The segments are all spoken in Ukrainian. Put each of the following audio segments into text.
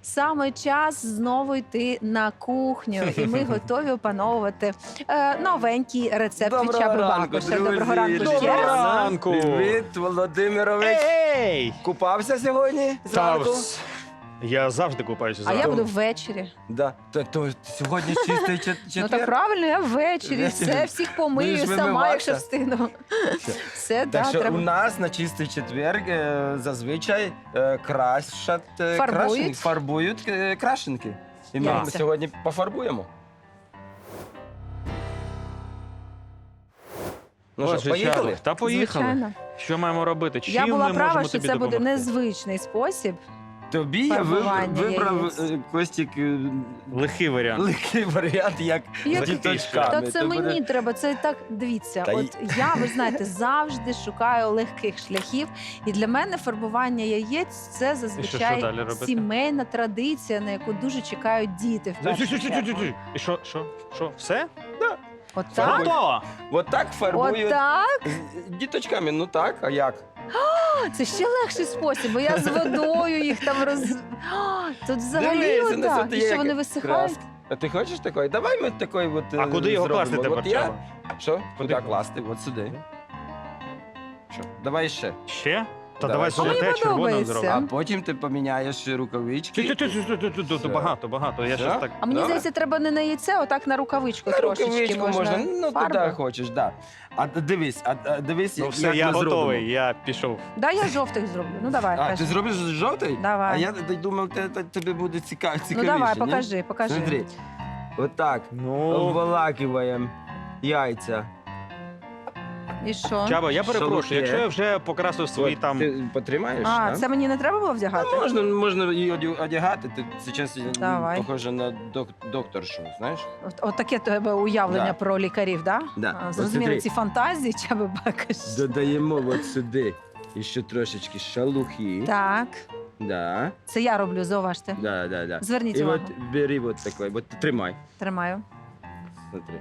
Саме час знову йти на кухню, і ми готові опановувати новенький рецепт від Доброго Чаби ранку, Бакуша. друзі! Доброго ранку ще Доброго раз. ранку! Привіт, Володимирович! Ей! Купався сьогодні Та, зранку? я завжди купаюся А я зранку. буду ввечері. Да. То сьогодні чистий четвер? Ну так правильно, я ввечері. Ввечері. Все, всіх помию Будеш сама, вимиватися? якщо встигну. Все, Так так, що у треба. нас на чистий четвер зазвичай крашать Фарбують? фарбують крашенки. І ми Яйця. сьогодні пофарбуємо. Ну що, Боже, поїхали? Чарлі, та поїхали. Звичайно. Що маємо робити? Чим Я була ми права, можемо що тобі це буде допомогти? незвичний спосіб. Тобі я Фарбування вибрав, яєць. Костік, Легкий варіант. легкий варіант, як Як- з діточками. Та це То мені буде- треба, це так, дивіться, Та от я, ви знаєте, завжди шукаю легких шляхів. І для мене фарбування яєць – це що зазвичай далі робити? сімейна традиція, на яку дуже чекають діти. В першу чергу. І що? Все? Отак? Готово! От так фарбують Отак? з діточками. Ну так, а як? Це ще легший спосіб, бо я з водою їх там Тут взагалі Дивися, на отак. це І є що вони як висихають? краска. А ти хочеш такої? Давай ми такої от А куди його зробимо. класти тепер, От я... Чаба? Що? Куди Куди класти? От сюди. Що? Давай ще. Ще? Та Давай. давай А мені золоте, червоне подобається. А зробимо. потім ти поміняєш рукавички. Тут багато. Я Все? щось так... А мені Добре. здається, треба не на яйце, отак на рукавичку На трошечки рукавичку можна, ну фарби. куди хочеш, да. А дивись, Ну як все, ми я зробимо. готовий, я пішов. Да, я жовтих зроблю. Ну давай, А, ти кажи. зробиш жовтий? Давай. А я думав, тобі буде цікавіше. Ну давай, покажи. Смотри, отак, Ну, обволакиваємо яйця. І що? Чаба, я перепрошую, Шалухи. якщо я вже покрасив свої От, там... Ти потримаєш? А, да? це мені не треба було вдягати? Ну, можна і одягати. Ти зараз Давай. похоже на докторшу, знаєш? От таке тебе уявлення Да. про лікарів, да? Да. А, От зрозуміли смотри. ці фантазії, Чаби Бакуш. Додаємо от сюди ще трошечки шалухи. Так, Да, це я роблю, зауважте. да. Зверніть І увагу. от бери от такой, от тримай. Тримаю. Смотри.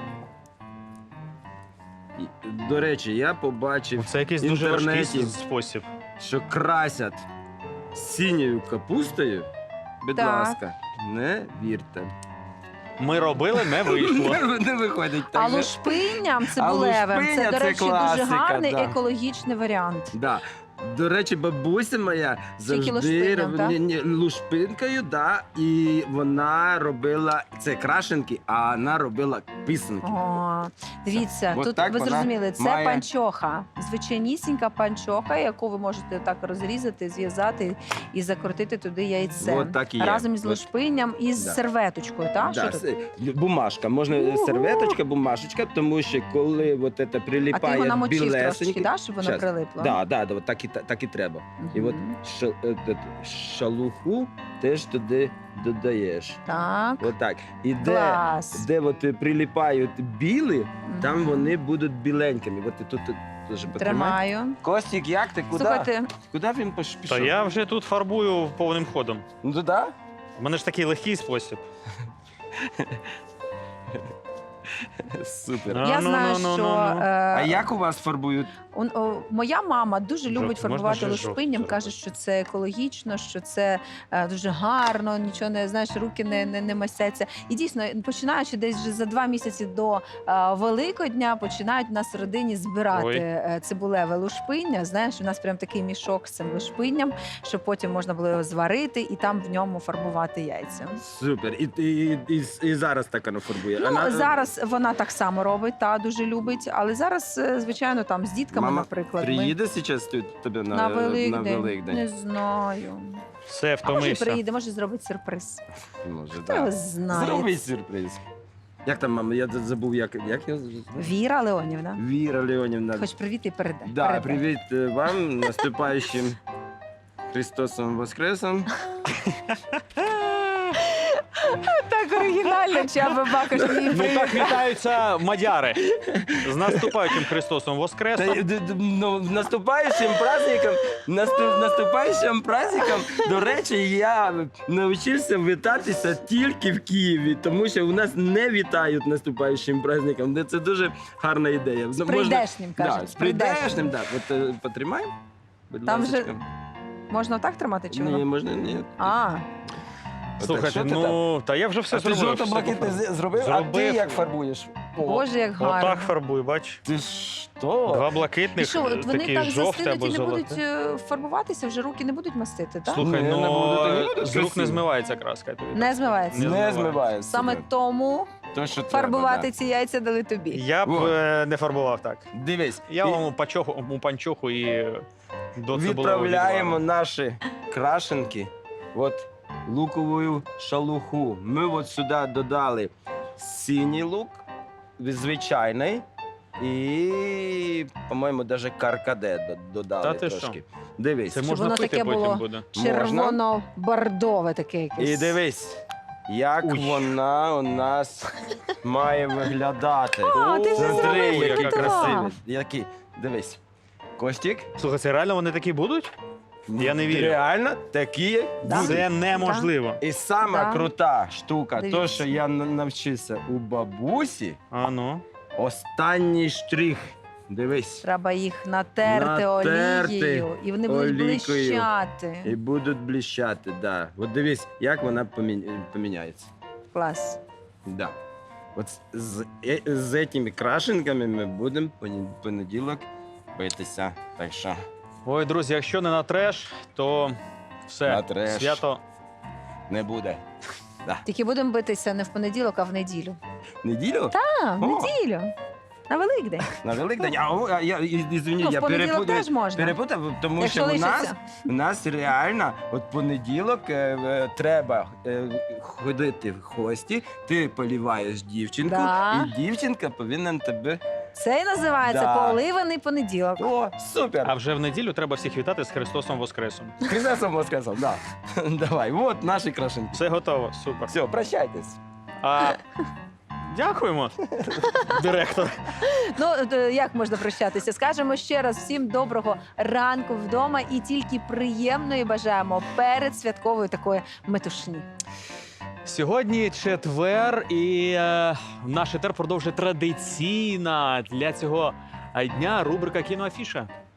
І, до речі, я побачив Це якийсь в дуже важкий інтернеті, спосіб. що красять синьою капустою. Будь Так. ласка, не вірте. Ми робили, не вийшло. Не виходить так. А же. лушпинням цибулевим лушпиння це, до це речі, дуже класика, гарний да. екологічний варіант. Да. До речі, бабуся моя завжди лушпинням, так? лушпинкою, да, і вона робила це крашенки, а вона робила писанки. О, дивіться, От тут так ви вона зрозуміли, це має- панчоха. Звичайнісінька панчоха, яку ви можете так розрізати, зв'язати і закрутити туди яйце. От так і є. Разом із От. лушпинням і з Да. серветочкою, так? Да, Що тут? бумажка, можна Угу. серветочка, бумажечка, тому що коли от це А ти прилипає його намочив трошечки, білесеньке, да, щоб воно Щас. прилипло? да, от так і треба. І от Мгм. шалуху теж туди додаєш. Так, Отак. І клас. де от прилипають білі, там Мгм. вони будуть біленькими. От ти тут теж потримай. Тримаю. Костік, як ти? Куди? Слухайте, Куди він пішов? Та я вже тут фарбую повним ходом. Ну туди? У мене ж такий легкий спосіб. Супер. Ну, я знаю, ну, що А як у вас фарбують? моя мама дуже любить Жовтий. Можна фарбувати ще жовтий лушпинням, каже, зробити? що це екологічно, що це дуже гарно, нічого не знаєш, руки не мастяться. І дійсно, починаючи десь вже за 2 місяці до Великодня, починають в нас в родині збирати Ой. цибулеве лушпиння. Знаєш, у нас прям такий мішок з цим лушпинням, щоб потім можна було його зварити і там в ньому фарбувати яйця. Супер. І зараз так вона фарбує. Ну, зараз вона так само робить, та дуже любить, але зараз, звичайно, там з дітками, Мама наприклад, приїде зараз тут тебе на на Великдень. Великдень? Не знаю. Все, А може втомився. приїде, може зробить сюрприз. Може, Хто його так. знає? Зроби сюрприз. Як там, мама? Я забув, як його звати? Віра Леонівна. Віра Леонівна. Хоч привіт і передай. Да, Передай. привіт вам, наступаючим Христосом Воскресом. Так оригінально, Чаба Бакуш. Ну так вітаються мадяри. З наступаючим Христосом Воскресом. Ну, наступаючим праздником, наступаючим праздником, до речі, я навчився вітатися тільки в Києві, тому що у нас не вітають наступаючим праздником. Це дуже гарна ідея. З прийдешнім, Да, кажуть. з прийдешнім, так. От потримай, будь Там ласка. Можна так тримати чи Ні, воно? можна, ні. А, Слухайте, що ти там? ну, та я вже все А ти зробив. жовто-блакитний зробив? А ти Зробив. як фарбуєш? О, Боже, як гарно. Отак фарбуй, бач. ти що? Два І блакитних, що, от вони такі так жовті застинуть або і не будуть золоті. фарбуватися, вже руки не будуть мастити, так? Слухай, Ні, не буду, то не ну буде з рук не красиво. змивається краска. я тобі Не так. змивається. Не Не змиває. Саме себе. тому То, що фарбувати треба, ці яйця дали тобі. Я б Во. не фарбував так. да. Дивись, Я і вам у панчоху і до цибулевого відправляємо відвару. наші крашенки, от лукову шалуху. Ми от сюди додали синій лук, звичайний, і, по-моєму, навіть каркаде додали Та ти трошки. Дивись. Це Щоб можна воно пити таке потім було. буде. Червоно-бордове таке якесь. І дивись, як Уй. вона у нас має виглядати. А, ти вже Смотри, зробив, який приготував. красивий. Який. Дивись. Костік. Слухай, це реально вони такі будуть? Я не вірю. Реально такі Да. будуть. Це неможливо. І сама Да. крута штука, Дивіться. то, що я навчився у бабусі, А ну. останній штрих. Дивись. Треба їх натерти, Натерти олією, і вони будуть олійкою. блищати. І будуть блищати, да. От дивись, як вона поміняється. Клас. Да. От з цими крашенками ми будемо понеділок битися. Так що Ой, друзі, якщо не на треш, то все. На треш. Свято. не буде. Тільки будемо битися не в понеділок, а в неділю. Неділю? А, в О. неділю. На Великдень. На Великдень? А я, извини, Ну, в я понеділок теж можна. перепутав, тому Якщо що лишиться. у нас реально от понеділок треба ходити в гості, ти поліваєш дівчинку, Да. і дівчинка повинна тебе... Це і називається Да. поливаний понеділок. О, супер! А вже в неділю треба всіх вітати з Христосом Воскресом. Христосом воскресом, да. Давай, от наші крашенки. Все готово, супер. Все, прощайтесь. А, дякуємо, директор. Ну, як можна прощатися? Скажемо ще раз всім доброго ранку вдома і тільки приємної бажаємо перед святковою такої метушні. Сьогодні четвер, і наш етер продовжує традиційна для цього дня рубрика «Кіноафіша».